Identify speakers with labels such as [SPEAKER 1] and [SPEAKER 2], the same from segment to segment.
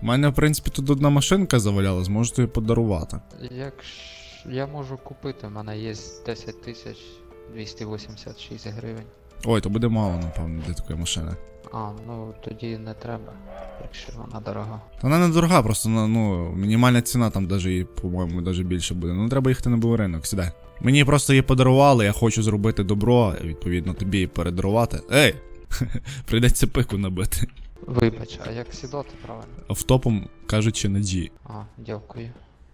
[SPEAKER 1] У мене, в принципі, тут одна машинка завалялась, можу тобі подарувати.
[SPEAKER 2] Я можу купити, в мене є 10 286 гривень.
[SPEAKER 1] Ой, то буде мало, напевно, для такої машини.
[SPEAKER 2] А, ну тоді не треба, якщо вона дорога.
[SPEAKER 1] Та вона не дорога, просто ну, мінімальна ціна там даже, по-моєму, даже більше буде. Ну треба їхати на Буваринок, сідай. Мені просто її подарували, я хочу зробити добро, відповідно тобі її передарувати. Ей! Прийдеться пику набити.
[SPEAKER 2] Вибач, а як сідати правильно?
[SPEAKER 1] Автопом кажучи на G.
[SPEAKER 2] А, дякую.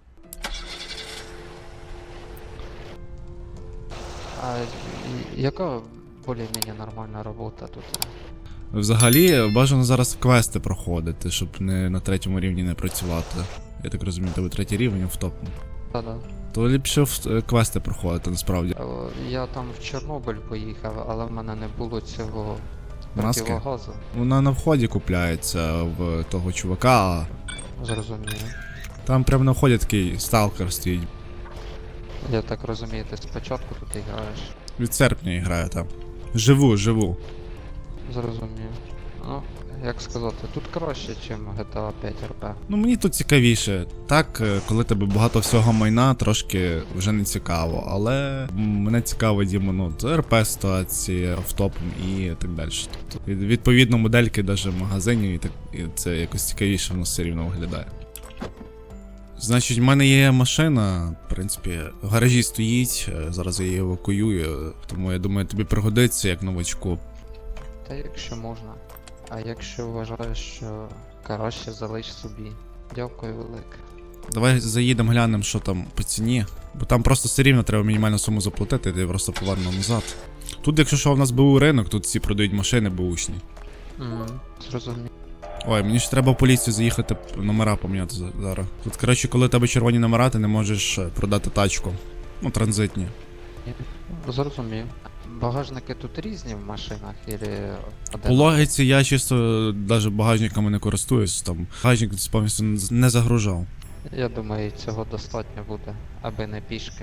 [SPEAKER 2] А яка більш-менш нормальна робота тут?
[SPEAKER 1] Взагалі, бажано зараз квести проходити, щоб не на 3-му рівні не працювати. Я так розумію, тебе 3-й рівень автопом.
[SPEAKER 2] Та-да.
[SPEAKER 1] То ліпше квести проходити, насправді.
[SPEAKER 2] Я там в Чорнобиль поїхав, але в мене не було цього
[SPEAKER 1] Маски?
[SPEAKER 2] противогазу.
[SPEAKER 1] Вона на вході купляється в того чувака, а
[SPEAKER 2] Зрозуміло.
[SPEAKER 1] там прямо на вході такий сталкер стоїть.
[SPEAKER 2] Я так розумію, ти спочатку тут граєш.
[SPEAKER 1] Від серпня я граю там. Живу.
[SPEAKER 2] Зрозумів. Ну, як сказати, тут краще, ніж GTA 5 RP.
[SPEAKER 1] Ну мені тут цікавіше. Так, коли тебе багато всього майна, трошки вже не цікаво. Але мене цікаво, Дімо, ну, це РП ситуації, автопом і так далі. Тобто, відповідно, модельки навіть в магазині, і це якось цікавіше воно все рівно виглядає. Значить, в мене є машина, в принципі, в гаражі стоїть, зараз я її евакуюю, тому я думаю, тобі пригодиться як новачку.
[SPEAKER 2] Та якщо можна. А якщо вважаєш, що краще залиш собі. Дякую велике.
[SPEAKER 1] Давай заїдемо, глянемо, що там по ціні. Бо там просто все рівно треба мінімальну суму заплатити, ти просто поверну назад. Тут, якщо що, в нас БУ ринок, тут всі продають машини бушні.
[SPEAKER 2] Зрозумів.
[SPEAKER 1] Ой, мені ж треба в поліцію заїхати, номера поміняти зараз. Тут, коротше, коли в тебе червоні номера, ти не можеш продати тачку. Ну, транзитні.
[SPEAKER 2] Зрозумів. Багажники тут різні в машинах, или
[SPEAKER 1] По логіці я чисто навіть багажниками не користуюсь, там багажник повністю не загружав.
[SPEAKER 2] Я думаю, цього достатньо буде, аби не пішки.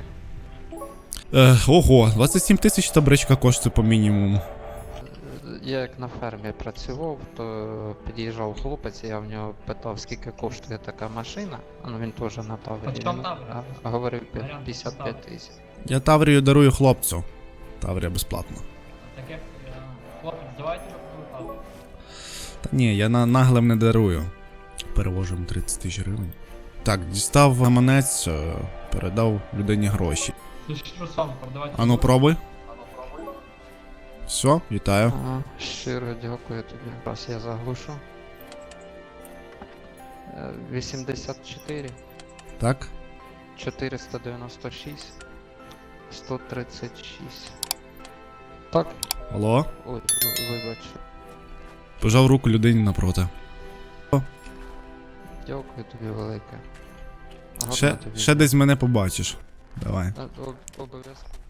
[SPEAKER 1] Ого, 27 тисяч та бричка коштує по мінімуму.
[SPEAKER 2] Я як на фермі працював, то під'їжджав хлопець, я в нього питав, скільки коштує така машина. Ну він теж на Таврії. Він говорив 55 тисяч.
[SPEAKER 1] Я Таврію дарую хлопцю. Таврія безплатно.
[SPEAKER 3] Таке, хлопець, давайте покупати.
[SPEAKER 1] Та ні, я наглим не дарую. Перевожу йому 30 тисяч гривень. Так, дістав гаманець, передав людині гроші.
[SPEAKER 3] Ти що сам продавати?
[SPEAKER 1] Ану, пробуй. Все, вітаю.
[SPEAKER 2] Ага, щиро дякую тобі. Раз я заглушу. 84,
[SPEAKER 1] Так?
[SPEAKER 2] 496, 136. Так?
[SPEAKER 1] Алло?
[SPEAKER 2] Ой, вибач.
[SPEAKER 1] Пожав руку людині напроти.
[SPEAKER 2] Дякую тобі велике. Гарно
[SPEAKER 1] Ще
[SPEAKER 2] тобі.
[SPEAKER 1] десь мене побачиш. Давай.
[SPEAKER 2] Обов'язково.